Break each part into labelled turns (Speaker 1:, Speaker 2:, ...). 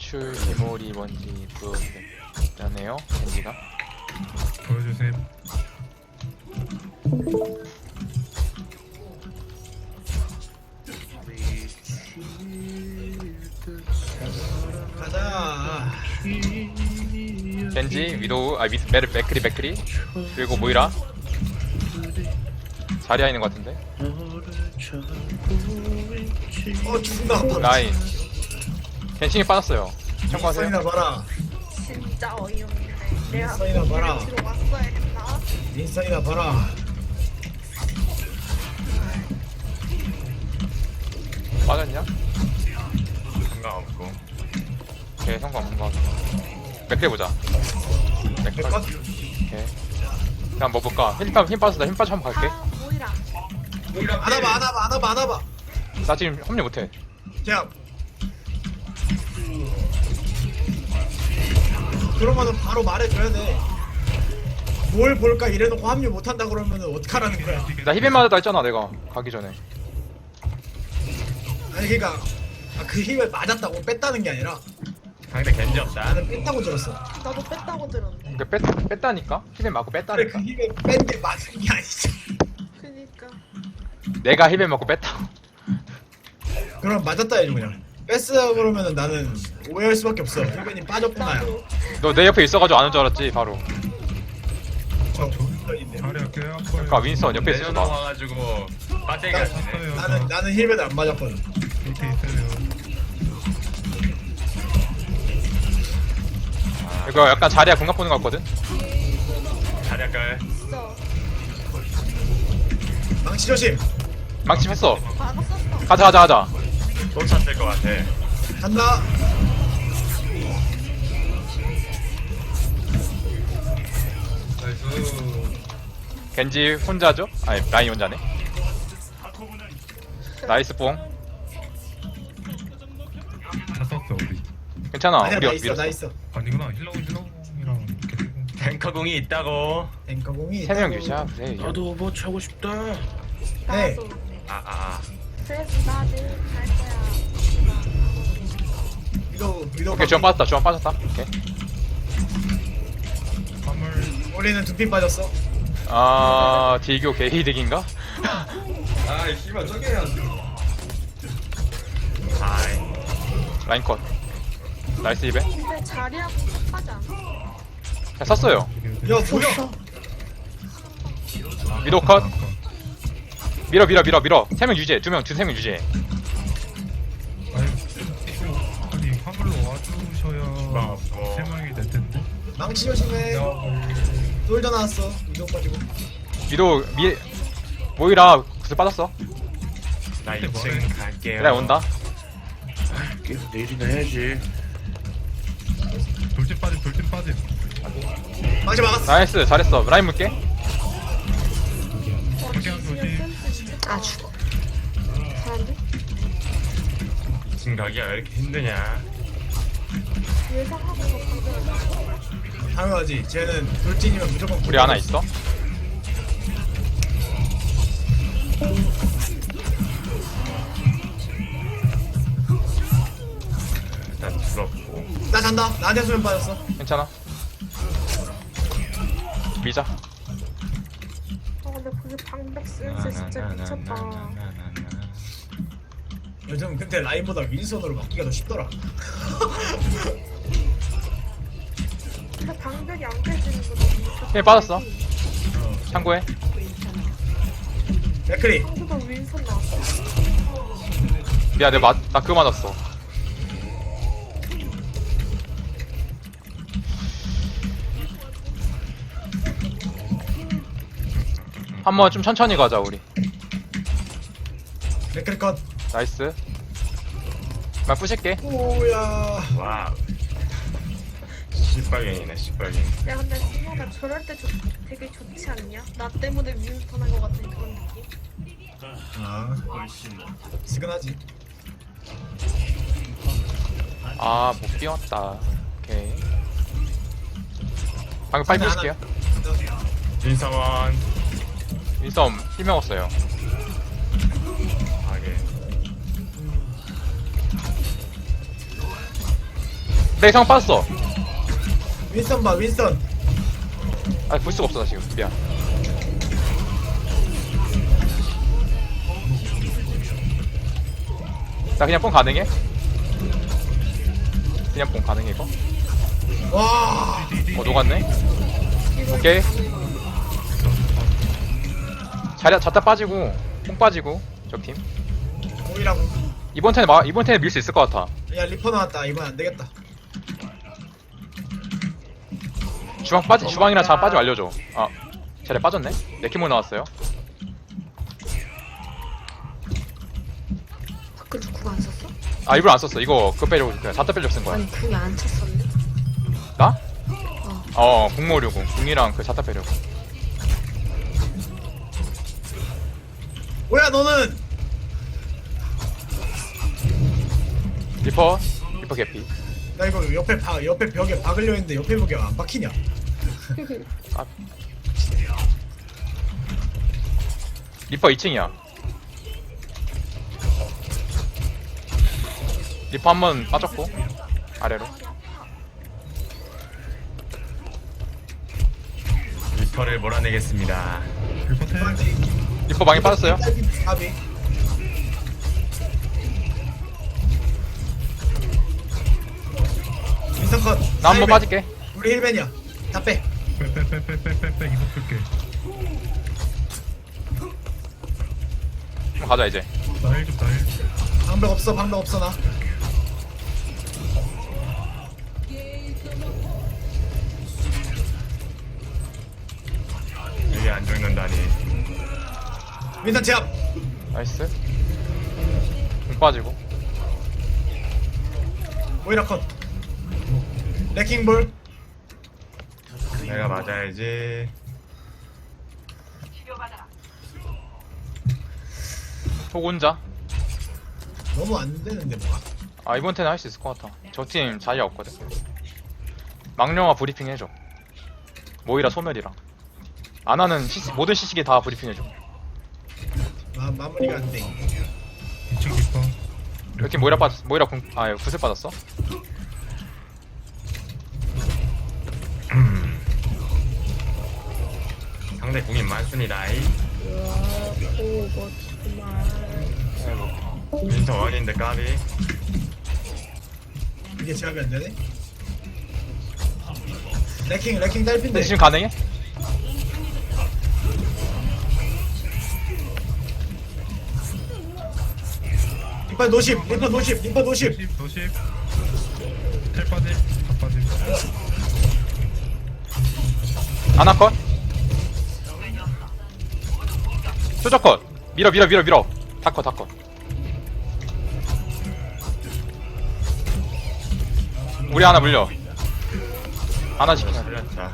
Speaker 1: 탈출, 기모리, 뭔지 그러네요. 겐지가.
Speaker 2: 보여주세요.
Speaker 3: 가자.
Speaker 1: 겐지, 위도우, 맥크리. 그리고 모이라. 자리에 있는 것 같은데.
Speaker 3: 죽나 봐.
Speaker 1: 라인. 겐칭이 빠졌어요. 참고하세요.
Speaker 3: 인사이나 봐라.
Speaker 4: 진짜 어이없네. 내가
Speaker 3: 인사이나 봐라.
Speaker 4: 뒤로 왔어야겠다.
Speaker 3: 인사이나 봐라.
Speaker 1: 빠졌냐?
Speaker 2: 상관없고.
Speaker 1: 오케이, 상관없는 것 같아. 맥크리 보자. 맥크리.
Speaker 3: 백컷.
Speaker 1: 오케이. 그냥 뭐 볼까? 힘 빠졌다. 힘 빠져 한번 갈게.
Speaker 4: 아, 모이라.
Speaker 3: 안아봐.
Speaker 1: 나 지금 합류 못해.
Speaker 3: 자. 그러면은 바로 말해줘야 돼. 뭘 볼까 이래놓고 합류 못한다 그러면은 어떡하라는 거야.
Speaker 1: 나 힙에 맞았다 했잖아, 내가. 가기 전에.
Speaker 3: 아니 그니까 그 힘에 맞았다고 뺐다는 게 아니라
Speaker 2: 상대 겐지 없다.
Speaker 3: 나는 뺐다고 들었어.
Speaker 4: 나도 뺐다고 들었는데.
Speaker 1: 그러니까 뺐다니까? 힙에 맞고
Speaker 3: 그래
Speaker 1: 뺐다니까.
Speaker 3: 그 힘에 뺀 게 맞은 게 아니지.
Speaker 4: 그니까.
Speaker 1: 내가 힙에 맞고 뺐다고.
Speaker 3: 그럼 맞았다 해줘 그냥. 뺐어 그러면은 나는 오해할 수밖에 없어. 힐벤이 빠졌구나야.
Speaker 4: 나도.
Speaker 1: 너 내 옆에 있어가지고 아는 줄 알았지, 바로.
Speaker 3: 저 힐벤인데.
Speaker 2: 자리야 꽤 아파요.
Speaker 1: 그러니까 윈스턴 옆에 있어서 나.
Speaker 5: 내려와가지고 빠지게 하시네.
Speaker 3: 나는 힐벤을 안 맞았거든.
Speaker 2: 밑에 있어요.
Speaker 1: 이거 약간 자리야 공각 보는 것 같거든?
Speaker 5: 자리할까요?
Speaker 4: 있어.
Speaker 3: 망치 조심.
Speaker 1: 망치 했어.
Speaker 4: 받았었어.
Speaker 1: 가자.
Speaker 5: 또 찼을 것 같아.
Speaker 3: 간다.
Speaker 1: 겐지 혼자죠? 아니, 라인 혼자네. 나이스 뽕.
Speaker 2: 다 썼어 우리.
Speaker 1: 괜찮아.
Speaker 3: 아니야
Speaker 1: 우리
Speaker 3: 나 있어
Speaker 1: 밀었어.
Speaker 3: 나 있어.
Speaker 2: 아니구나. 힐러이랑 이렇게.
Speaker 5: 탱커공이 있다고.
Speaker 3: 앵커공이
Speaker 1: 3명 유지야. 그래.
Speaker 6: 나도 오버워치 하고 싶다.
Speaker 3: 네.
Speaker 4: 나도.
Speaker 5: 아.
Speaker 4: 그래서 나도 갈 거야.
Speaker 3: 위도
Speaker 1: 오케이, 주원 빠졌다. 오케이.
Speaker 2: 화물.
Speaker 3: 우리는 두피 빠졌어.
Speaker 1: 아, 딜교 개이득인가?
Speaker 7: 아이 씨발 저게 해야지.
Speaker 5: 아이.
Speaker 1: 라인 컷. 나이스 입에.
Speaker 4: 근데 자리하고 똑같지 않아?
Speaker 1: 그냥 썼어요.
Speaker 3: 야 뭐야?
Speaker 1: 위도 컷. 밀어. 3명 유지해. 2명 유지해.
Speaker 2: 아니 화물로 와주셔야 세 명이 될 텐데.
Speaker 3: 망치 조심해. 돌져 나왔어. 위도 빠지고.
Speaker 1: 위도 모이라 구슬 빠졌어.
Speaker 5: 나 2층 갈게요.
Speaker 1: 그래, 온다.
Speaker 6: 계속 내일이나 해야지.
Speaker 2: 돌진 빠짐.
Speaker 3: 망치 막았어.
Speaker 1: 나이스, 잘했어. 라인 물게.
Speaker 2: 그냥 조심.
Speaker 4: 아 죽어. 잘한데?
Speaker 5: 2층 가기가 왜 이렇게 힘드냐?
Speaker 4: 예상하고 방금.
Speaker 3: 당연하지. 쟤는 돌진이면 무조건
Speaker 1: 우리 하나 있어.
Speaker 5: 일단 부럽고.
Speaker 3: 나 잔다. 나한테 수면 빠졌어.
Speaker 1: 괜찮아. 밀자.
Speaker 4: 근데 그게 방벽 센스 진짜 미쳤다.
Speaker 3: 요즘 근데 라인보다 윈선으로 막기가 더 쉽더라.
Speaker 4: 근데 방벽이 안 깨지는 거 너무 미쳤다.
Speaker 1: 힘 빠졌어. 참고해.
Speaker 3: 맥크리.
Speaker 4: 한국도 윈선 나왔어.
Speaker 1: 미안, 나 그거 맞았어. 한번 좀 천천히 가자, 우리.
Speaker 3: 맥크리 컷.
Speaker 1: 나이스. 나 부실게.
Speaker 3: 오야.
Speaker 5: 와우. 시뻘갱이네, 시뻘갱.
Speaker 4: 야 근데 승호가 저럴 때 되게 좋지 않냐? 나 때문에 윈스턴 한 거 같은 그런 느낌?
Speaker 3: 아. 시근하지.
Speaker 1: 아, 못 끼웠다. 오케이. 방금 빨리
Speaker 3: 하나,
Speaker 1: 부실게요.
Speaker 5: 진성원.
Speaker 1: 윈썸 힐 먹었어요.
Speaker 5: 하게.
Speaker 1: 내 상황 빠졌어.
Speaker 3: 윈스턴 봐 윈스턴.
Speaker 1: 아, 볼 수가 없어, 나 지금. 미안. 나 그냥 뽕 가능해? 그냥 뽕 가능해, 이거?
Speaker 3: 와
Speaker 1: 녹았네? 오케이. 자리, 자타 빠지고, 뽕 빠지고, 적팀.
Speaker 3: 오이라고.
Speaker 1: 이번 턴에 밀 수 있을 것 같아.
Speaker 3: 야 리퍼 나왔다. 이번 안 되겠다.
Speaker 1: 주방이랑 잘 빠지면 알려줘. 아, 자리 빠졌네? 네키모 나왔어요.
Speaker 4: 밖으로 궁 안 썼어?
Speaker 1: 아, 일부러 안 썼어. 이거, 그거 빼려고, 그냥 자타 빼려고 쓴 거야.
Speaker 4: 아니 궁이 안 찼었네.
Speaker 1: 나? 궁모류고. 궁이랑 그 자타 빼려고.
Speaker 3: 뭐야 너는?
Speaker 1: 리퍼 개피.
Speaker 3: 나 이거 옆에 벽에 박으려 했는데 옆에 벽에 안 박히냐?
Speaker 1: 리퍼 2층이야. 리퍼 한 번 빠졌고 아래로.
Speaker 5: 리퍼를 몰아내겠습니다.
Speaker 2: 리포트.
Speaker 1: 리퍼 방에 빠졌어요.
Speaker 3: 가비. 윈스턴 컷.
Speaker 1: 나 한 번 빠질게.
Speaker 3: 우리 힐벤이야. 다 빼.
Speaker 2: 빼빼빼빼빼빼 이거 끌게.
Speaker 1: 가자 이제.
Speaker 2: 나일 좀 나일.
Speaker 3: 방벽 없어 나.
Speaker 5: 이게 안 죽는다니.
Speaker 3: 윈스턴 제압.
Speaker 1: 나이스. 공 빠지고.
Speaker 3: 오이라 컷. 레킹볼.
Speaker 5: 내가 맞아야지.
Speaker 1: 혹 혼자.
Speaker 3: 너무 안 되는데 뭐가.
Speaker 1: 아, 이번 턴에 할 수 있을 것 같아. 저 팀 자리가 없거든. 망령아 브리핑 해줘. 모이라 소멸이랑. 아나는 모든 시식에 다 브리핑 해줘.
Speaker 3: 마무리가 안 돼.
Speaker 2: 2층 리퍼.
Speaker 1: 이렇게 모이라 구슬 빠졌어?
Speaker 5: 상대 궁이 많습니다.
Speaker 4: 오 멋지구만.
Speaker 5: 윈터 원인데 까비.
Speaker 3: 이게 제압이 안 되네. 레킹 딸핀데.
Speaker 1: 근데 지금 가능해?
Speaker 3: 리퍼 노십.
Speaker 2: 노십. 텔 빠짐. 다 빠짐.
Speaker 1: 아나컷. 수저컷. 밀어. 다컷. 우리 하나 물려. 하나 시켜.
Speaker 5: 살렸다.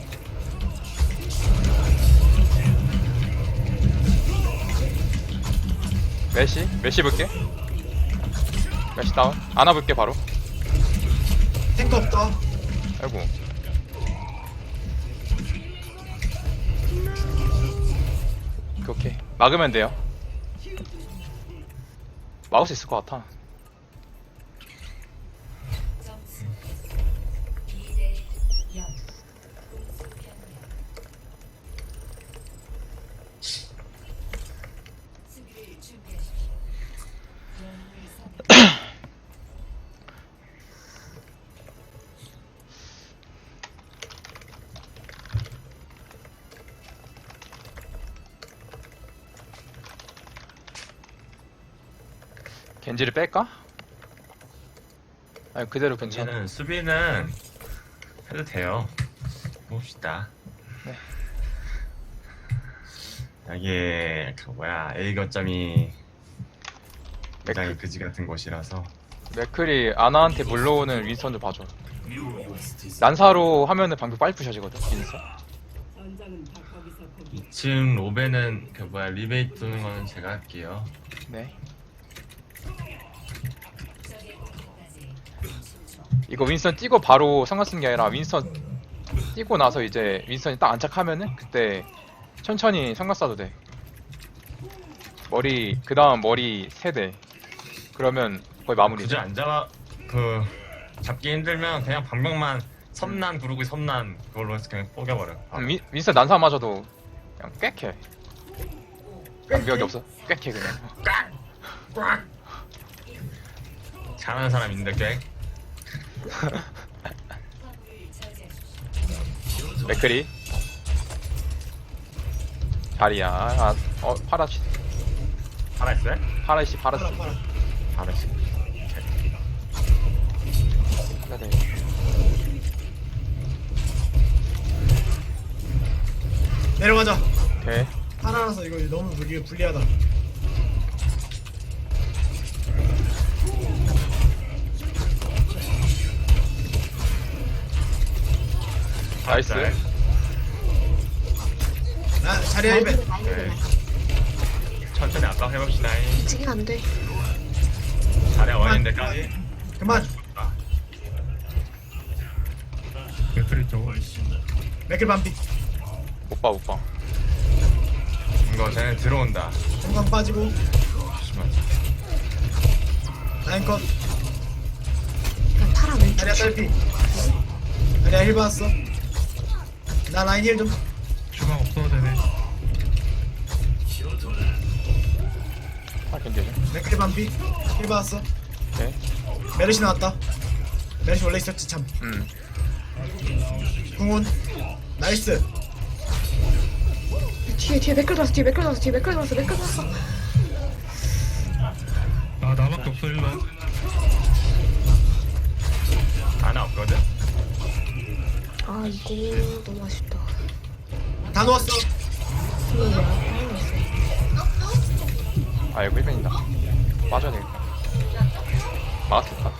Speaker 1: 메시 볼게. 메시 다운. 아나 볼게 바로.
Speaker 3: 탱크 없다.
Speaker 1: 아이고. 오케이. 막으면 돼요. 막을 수 있을 것 같아. 겐지를 뺄까? 아니 그대로 괜찮아.
Speaker 5: 이제는 수비는 해도 돼요. 봅시다.
Speaker 1: 네.
Speaker 5: 여기에 그 뭐야 A 거점이 굉장히 그지 같은 곳이라서.
Speaker 1: 맥클이 아나한테 물러오는 윈스턴도 봐줘. 난사로 하면은 방금 빨리 부셔지거든. 윈스턴.
Speaker 5: 2층 로베는 그 뭐야 리베이트 도는 거는 제가 할게요.
Speaker 1: 네. 이거 윈스턴 뛰고 바로 상관 쓰는 게 아니라 윈스턴 뛰고 나서 이제 윈스턴이 딱 안착하면은 그때 천천히 상관 쏴도 돼. 그 다음 머리 3대. 그러면 거의 마무리.
Speaker 5: 굳이 안 잡아 그 잡기 힘들면 그냥 방벽만 섬난 구르기 섬난 그걸로 해서 그냥 뽀겨버려.
Speaker 1: 윈스턴 난사 맞아도 그냥 꽥해. 장벽이 없어. 꽥해 그냥.
Speaker 5: 잘하는 사람 있는데 꽤.
Speaker 1: 맥크리. 자리야. 아, 파라시.
Speaker 5: 살아있어요?
Speaker 1: 파라시 파라시.
Speaker 3: 팔아.
Speaker 5: 살아있어.
Speaker 1: 네.
Speaker 3: 내려가자.
Speaker 1: 오케이.
Speaker 3: 하나라서 이거 너무 불리하다.
Speaker 1: 나이스.
Speaker 3: 아 자리야 1배.
Speaker 5: 네. 천천히 아까 해봅시다.
Speaker 4: 지금 안 돼.
Speaker 5: 잘해 원인데까지.
Speaker 3: 그만.
Speaker 2: 맥크리 쪽.
Speaker 3: 맥클 반피.
Speaker 1: 오빠 오빠.
Speaker 5: 이거 쟤네 들어온다.
Speaker 3: 중간 빠지고.
Speaker 5: 잠시만.
Speaker 3: 라인 컷.
Speaker 4: 나 파라 왼쪽.
Speaker 3: 자리야 딸피. 자리야 힐 받았어. 나 라인 힐 좀.
Speaker 2: 주방 없어도 되네.
Speaker 1: 아 견제죠.
Speaker 3: 맥클 반피. 힐 받았어.
Speaker 1: 오케이.
Speaker 3: 메르시 나왔다. 메르시 원래 있었지 참. 궁훈. 나이스.
Speaker 4: 뒤에 맥클 들었어. 뒤에 맥클 들었어. 뒤에 맥클 들었어. 맥클 들었어.
Speaker 2: 아 나밖에 없어 1번.
Speaker 5: 하나 없거든?
Speaker 4: 아 이거 너무 아쉽다.
Speaker 3: 다 놓았어.
Speaker 4: 이거 왜안 했어?
Speaker 1: 아 이거 1ben이다. 빠져야 되겠다. 막았겠다.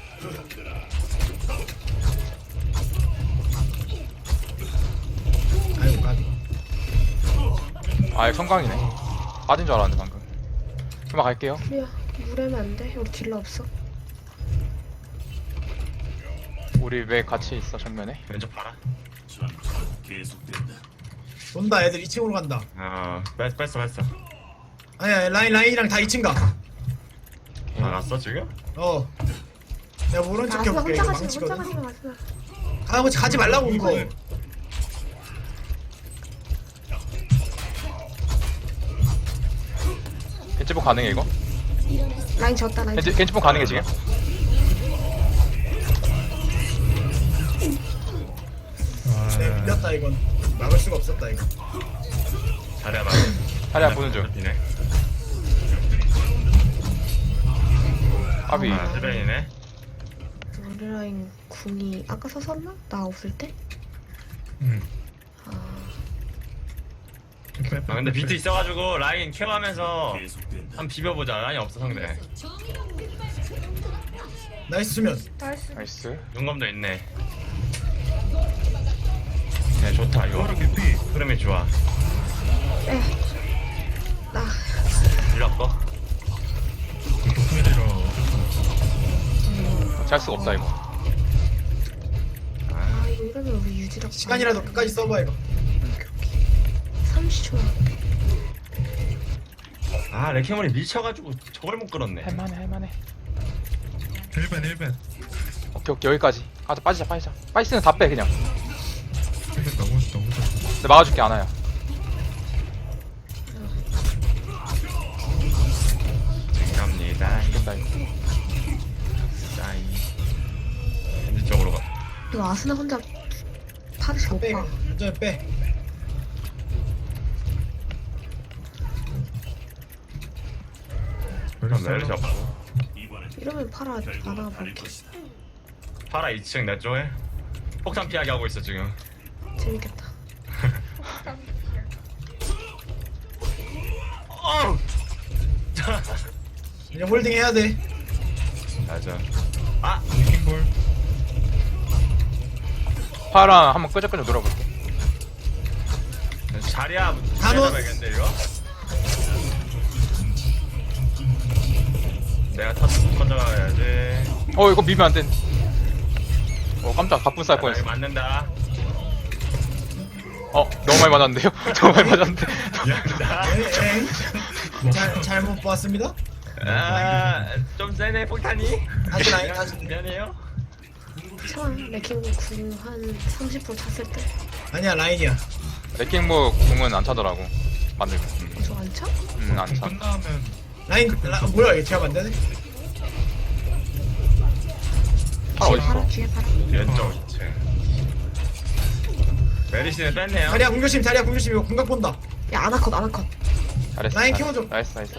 Speaker 3: 아이고 가비.
Speaker 1: 아 이거 성광이네. 빠진 줄 알았는데 방금. 그만 갈게요.
Speaker 4: 우리야 물에면 안 돼. 우리 딜러 없어.
Speaker 1: 우리 왜 같이 있어 정면에?
Speaker 5: 왼쪽 봐라.
Speaker 3: 돈다 애들 2층으로 간다.
Speaker 5: 뺐어.
Speaker 3: 아니야 라인이랑 다 2층 가.
Speaker 5: 나갔어 지금?
Speaker 3: 어. 내가 모른 척
Speaker 4: 아스나
Speaker 3: 해볼게.
Speaker 4: 혼자
Speaker 3: 이거
Speaker 4: 가지 혼자
Speaker 3: 망치거든.
Speaker 4: 가지 마스나.
Speaker 3: 가지 말라고 이거.
Speaker 1: 겐지복 가능해 이거?
Speaker 4: 라인 졌다 라인.
Speaker 1: 겐지복 가능해 지금?
Speaker 3: 내가 밀렸다 이건. 막을 수가 없었다 이거.
Speaker 5: 잘해봐.
Speaker 1: 자리야 보는 중.
Speaker 5: 이네.
Speaker 1: 아비.
Speaker 5: 세벤이네.
Speaker 4: 우리 라인 궁이 아까 썼었나? 나 없을 때?
Speaker 2: 응.
Speaker 4: 아
Speaker 5: 근데 비트 있어가지고 라인 케어하면서 한 비벼보자. 라인 없어 상대.
Speaker 3: 나이스 수면.
Speaker 4: 나이스.
Speaker 1: 나이스.
Speaker 5: 용검도 있네. 네 좋다 이거.
Speaker 2: 오른 개피.
Speaker 5: 흐름이 좋아.
Speaker 4: 나
Speaker 5: 일렀고.
Speaker 2: 독수리로.
Speaker 1: 잘 수가 없다 이거.
Speaker 4: 아 이거 이러면 우리 유지력
Speaker 3: 시간이라도 끝까지 써봐 이거.
Speaker 4: 30초.
Speaker 5: 아 레케몬이 미쳐가지고 저걸 못 끌었네.
Speaker 1: 할만해.
Speaker 2: 1번.
Speaker 1: 오케이 여기까지. 가자 빠지자. 빠지스는 다 빼 그냥.
Speaker 2: 1번 너무 좋다.
Speaker 1: 내가 막아줄게 아나야.
Speaker 5: 갑니다.
Speaker 1: 이겼다 이거.
Speaker 5: 짜이. 이쪽으로 가.
Speaker 4: 이거 아스나 혼자 파르시 못
Speaker 3: 빼.
Speaker 4: 봐.
Speaker 3: 완전 빼.
Speaker 5: 그럼 메르시 없고.
Speaker 4: 이러면 파라 안 와볼게.
Speaker 5: 파라 2층 내 쪽에. 폭탄 피하게 하고 있어 지금.
Speaker 4: 재밌겠다.
Speaker 5: 어우.
Speaker 3: 이제 홀딩 해야 돼.
Speaker 5: 맞아. 아
Speaker 2: 킹볼.
Speaker 1: 파랑 한번 끄적끄적 놀아볼게.
Speaker 5: 자리야.
Speaker 3: 다 넣었-
Speaker 5: 잡아야겠는데 이거. 내가 터져가야지.
Speaker 1: 이거 미면 안 돼. 깜짝 바쁜 쌀 뻔했어.
Speaker 5: 맞는다.
Speaker 1: 너무 많이 맞았는데요? 너무 많이 맞았는데.
Speaker 5: 미안하다.
Speaker 3: 잘못 보았습니다.
Speaker 5: 좀 세네 폭탄이.
Speaker 3: 다시 라인 다시.
Speaker 5: 미안해요.
Speaker 4: 괜찮아. 레킹 궁한 30% 찼을 때.
Speaker 3: 아니야 라인이야.
Speaker 1: 레킹보 궁은 안 차더라고. 만들면.
Speaker 4: 저 안 차?
Speaker 1: 안 차.
Speaker 2: 끝나면
Speaker 3: 라인 뭐야 이게 제압 안 되네?
Speaker 1: 팔
Speaker 4: 뒤에 봐라.
Speaker 1: 어딨어?
Speaker 4: 뒤에 봐라.
Speaker 5: 왼쪽 2층. 메리시는 뺐네요.
Speaker 3: 자리야 공조심 자리야 공조심 이거 공각 본다.
Speaker 4: 야 아나컷 아나컷.
Speaker 1: 잘했어.
Speaker 3: 라인
Speaker 1: 잘했어.
Speaker 3: 키워줘.
Speaker 1: 나이스 나이스.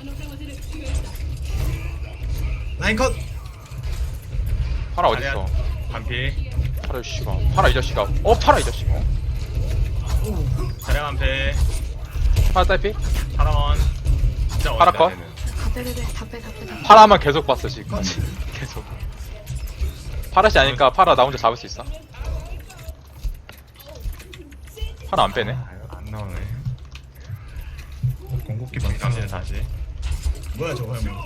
Speaker 3: 라인 컷.
Speaker 1: 파라 어딨어?
Speaker 5: 반피.
Speaker 1: 파라 이 씨가. 파라 이 자식아. 파라 이 자식아.
Speaker 5: 자량 반피.
Speaker 1: 파라 딸피?
Speaker 5: 파라원. 진짜
Speaker 1: 파라
Speaker 5: 어렵다,
Speaker 1: 컷?
Speaker 5: 얘는.
Speaker 4: 다 빼. 다 빼.
Speaker 1: 파라만 계속 봤어 지금까지. 계속. 파라씨 아니까 파라 나 혼자 잡을 수 있어? 파라 안 빼네.
Speaker 5: 아, 이거 안 나오네.
Speaker 2: 공격기 많다.
Speaker 5: 당신 다시.
Speaker 3: 뭐야 저거 형.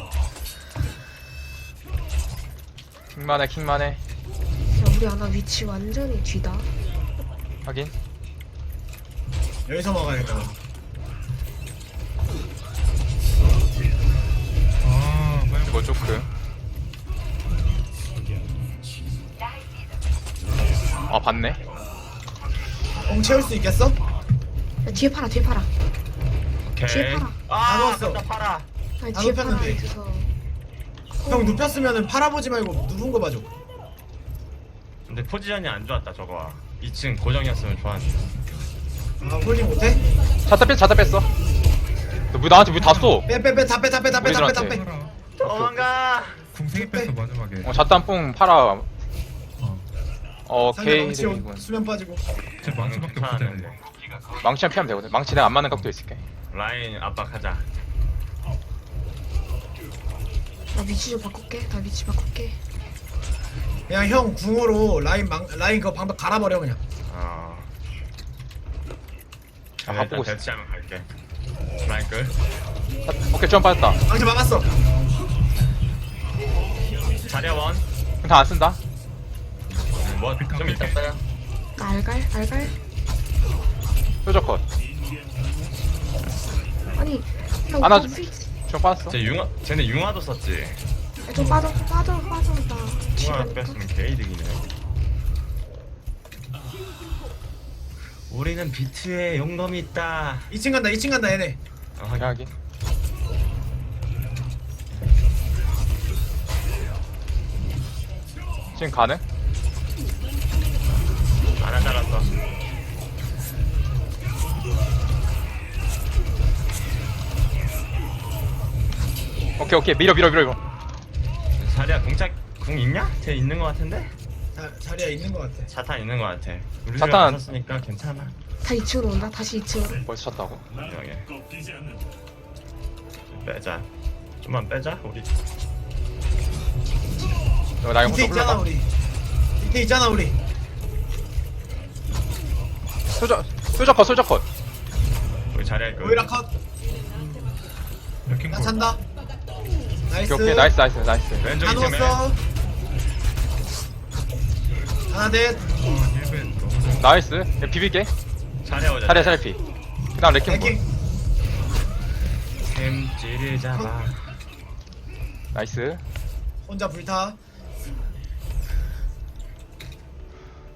Speaker 1: 킹만해 킹만해.
Speaker 4: 야 우리 아나 위치 완전히 뒤다.
Speaker 1: 확인.
Speaker 3: 여기서 먹어야겠다.
Speaker 2: 아, 빨리
Speaker 1: 이거 조크. 아 봤네.
Speaker 3: 공 채울 수 있겠어?
Speaker 4: 야 뒤에 팔아. 뒤에 팔아.
Speaker 5: 오케이.
Speaker 4: 뒤에 팔아.
Speaker 5: 아,
Speaker 3: 안 왔어.
Speaker 5: 아깝다, 파라.
Speaker 4: 아니
Speaker 3: 다
Speaker 4: 뒤에 팔아.
Speaker 3: 눕혔는데.
Speaker 4: 있어서.
Speaker 3: 형 눕혔으면은 팔아보지 말고 누군 거 봐줘.
Speaker 5: 근데 포지션이 안 좋았다, 저거. 2층 고정이었으면 좋았는데.
Speaker 3: 아 홀딩 못해?
Speaker 1: 자타 뺐어. 너 뭐 나한테 왜 다 쏘?
Speaker 3: 빼 다 빼.
Speaker 2: 팔아.
Speaker 5: 도망가.
Speaker 2: 궁생이 뺐어 마지막에.
Speaker 1: 자탄뽕 파라.
Speaker 3: 상대
Speaker 1: 오케이.
Speaker 3: 망치
Speaker 1: 되겠군.
Speaker 3: 수면 빠지고.
Speaker 2: 제 망치밖에
Speaker 5: 괜찮았는데.
Speaker 2: 없거든.
Speaker 1: 망치만 피하면 되거든. 망치 내가 안 맞는 각도 있을게.
Speaker 5: 라인 압박하자.
Speaker 4: 나 위치 좀 바꿀게. 나 위치 바꿀게.
Speaker 3: 그냥 형 궁으로 라인 그 방벽 갈아버려 그냥.
Speaker 5: 어.
Speaker 1: 아,
Speaker 5: 일단
Speaker 1: 보고 있어.
Speaker 5: 대치하면 갈게. 라인 끌.
Speaker 1: 오케이 점 빠졌다.
Speaker 3: 망치 막았어.
Speaker 5: 자리원.
Speaker 1: 다안 쓴다.
Speaker 5: 뭐좀 이따 써요.
Speaker 4: 나 알갈.
Speaker 1: 표적 컷.
Speaker 4: 아니 야
Speaker 1: 아나
Speaker 4: 오빠
Speaker 1: 좀-
Speaker 4: 위치.
Speaker 1: 점 빠졌어.
Speaker 5: 쟤네 융화도 썼지.
Speaker 4: 야, 좀 빠져. 나 뒤에
Speaker 5: 융화
Speaker 4: 가니까.
Speaker 5: 뺐으면 개이득이네. 우리는 비트에 용검이 있다.
Speaker 3: 2층 간다 얘네.
Speaker 1: 확인 확인. 지금 가능?
Speaker 5: 안 잘랐어.
Speaker 1: 오케이 밀어 이거.
Speaker 5: 자리야 궁 있냐? 쟤 있는 거 같은데?
Speaker 3: 자리야 있는 거 같아.
Speaker 5: 자탄 있는 거 같아. 우리
Speaker 1: 자탄-
Speaker 5: 자탄 썼으니까 괜찮아.
Speaker 4: 다 2층으로 온다. 다시 2층으로.
Speaker 1: 벌써 찼다고?
Speaker 5: 여기. 빼자. 좀만 빼자 우리.
Speaker 1: 이거 나 이거
Speaker 3: 밑에
Speaker 1: 혼자
Speaker 3: 있잖아
Speaker 1: 올라가.
Speaker 3: 우리. 밑에 있잖아 우리.
Speaker 1: 소저 컷.
Speaker 5: 우리 자리야 그.
Speaker 3: 오이라 컷.
Speaker 2: 레킹
Speaker 3: 나 찬다. 나이스.
Speaker 1: 오케이 나이스.
Speaker 5: 왼쪽
Speaker 3: 다
Speaker 5: 2층에.
Speaker 3: 누웠어. 하나 넷.
Speaker 2: 힐벤 너무 잘.
Speaker 1: 나이스. 야, 비빌게.
Speaker 5: 자리야 오자.
Speaker 1: 차례 피. 그다음 레킹
Speaker 3: 레킹.
Speaker 5: 햄찌를 잡아.
Speaker 1: 나이스.
Speaker 3: 혼자 불타.